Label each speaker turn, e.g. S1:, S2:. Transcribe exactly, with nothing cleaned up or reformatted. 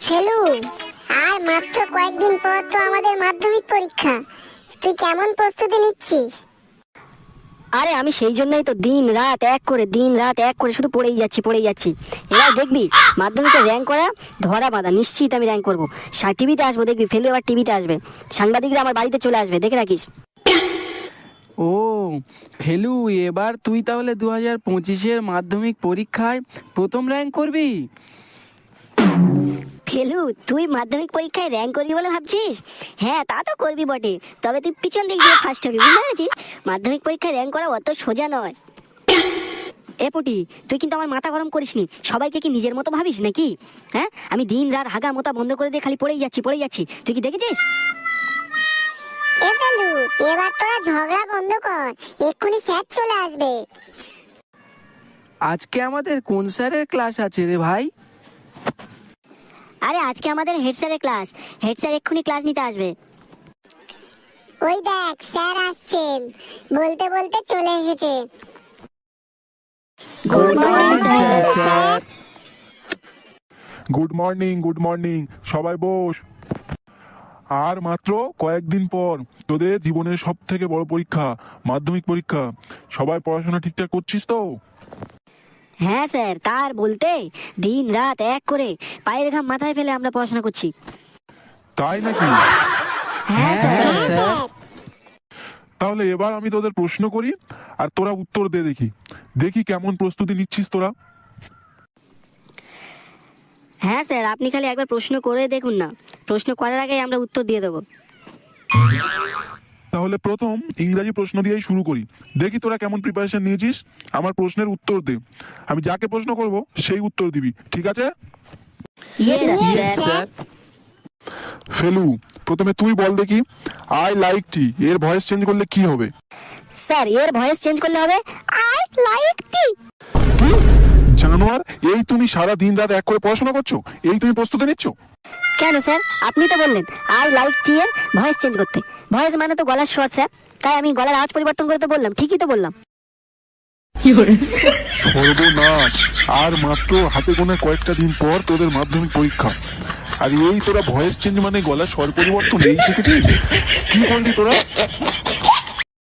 S1: ফেলু, আর মাত্র কয়েকদিন পর তো আমাদের মাধ্যমিক পরীক্ষা। তুই কেমন প্রস্তুতি নিচ্ছিস?
S2: আরে আমি সেই জন্যই তো দিন রাত এক করে দিন রাত এক করে শুধু পড়েই যাচ্ছি পড়েই যাচ্ছি এবার দেখবি মাধ্যমিকে র্যাঙ্ক করা ধরা বাঁধা, নিশ্চিত আমি র্যাঙ্ক করবো। টিভিতে আসবো, দেখবি ফেলু এবার টিভিতে আসবে, সাংবাদিকরা আমার বাড়িতে চলে আসবে, দেখে রাখিস।
S3: ও ফেলু, এবার তুই তাহলে দু হাজার পঁচিশের মাধ্যমিক পরীক্ষায় প্রথম র্যাঙ্ক করবি?
S2: ফেলু, তুই মাধ্যমিক পরীক্ষায় র্যাঙ্ক করবি বলে ভাবছিস? হ্যাঁ, তা তো করবি বটে, তবে তুই পিছন দিক দিয়ে ফার্স্ট হবি, বুঝতে পেরেছিস? মাধ্যমিক পরীক্ষায় র্যাঙ্ক করা অত সোজা নয়। এ পুটি, তুই কিন্তু আমার মাথা গরম করিসনি। সবাইকে কি নিজের মতো ভাবিস নাকি? হ্যাঁ, আমি দিন রাত হাগা মোতা বন্ধ করে দিয়ে খালি পড়েই যাচ্ছি পড়েই যাচ্ছি, তুই কি দেখেছিস?
S1: এ ফেলু, এবার তোরা ঝগড়া বন্ধ কর, এক্ষুনি স্যার চলে আসবে।
S3: আজকে আমাদের কোন স্যারের ক্লাস আছে রে ভাই?
S2: আরে আজকে আমাদের হেড স্যারের ক্লাস, হেড স্যার এক্ষুনি ক্লাস নিতে আসবে।
S1: ওই দেখ স্যার আসছেন, বলতে বলতে চলে এসেছে।
S2: Good morning
S3: sir.
S4: Good morning good morning সবাই বস। আর মাত্র কয়েকদিন পর তোদের জীবনের সব থেকে বড় পরীক্ষা, মাধ্যমিক পরীক্ষা। সবাই পড়াশোনা ঠিকঠাক করছিস তো?
S2: হ্যাঁ স্যার, তার বলতে দিন রাত এক করে পায়ের ঘাম মাথায় ফেলে আমরা পড়াশোনা করছি।
S4: তাই নাকি?
S2: হ্যাঁ স্যার।
S3: হ্যাঁ স্যার।
S4: তাহলে এবার আমি তোদের প্রশ্ন করি আর তোরা উত্তর দে, দেখি দেখি কেমন প্রস্তুতি নিচ্ছিস তোরা।
S2: হ্যাঁ স্যার, আপনি খালি একবার প্রশ্ন করে দেখুন না, প্রশ্ন করার আগে আমরা উত্তর দিয়ে দেবো।
S4: তাহলে প্রথম ইংরাজি প্রশ্ন দিয়েই শুরু করি, দেখি তোরা কেমন প্রিপারেশন নিয়েছিস। আমার প্রশ্নের উত্তর দে, আমি যাকে প্রশ্ন করব সেই উত্তর দিবি, ঠিক আছে?
S2: Yes
S3: Yes,
S2: sir.
S3: sir.
S4: Felu, প্রথমে তুই বল দেখি, আই লাইক টি এর ভয়েস চেঞ্জ করলে কি হবে?
S2: স্যার, এর ভয়েস চেঞ্জ করলে হবে আই লাইক টি।
S4: কি জানোয়ার, এই তুমি সারা দিন রাত এক করে পড়াশোনা করছো, এই তুমি প্রস্তুতি নিচ্ছ?
S2: কেন স্যার, আপনি তো বললেন আই লাইক টি এর ভয়েস চেঞ্জ করতে। ভয়েস মানে তো গলার স্বর স্যার, তাই আমি গলার আওয়াজ পরিবর্তন করে তো বললাম, ঠিকই তো বললাম।
S4: সর্বনাশ, আর মাত্র হাতে গোনা কয়েকটা দিন পর তোদের মাধ্যমিক পরীক্ষা, আর এই তোরা ভয়েস চেঞ্জ মানে গলার স্বর পরিবর্তন এই শিখেছিস? কি করলি তোরা?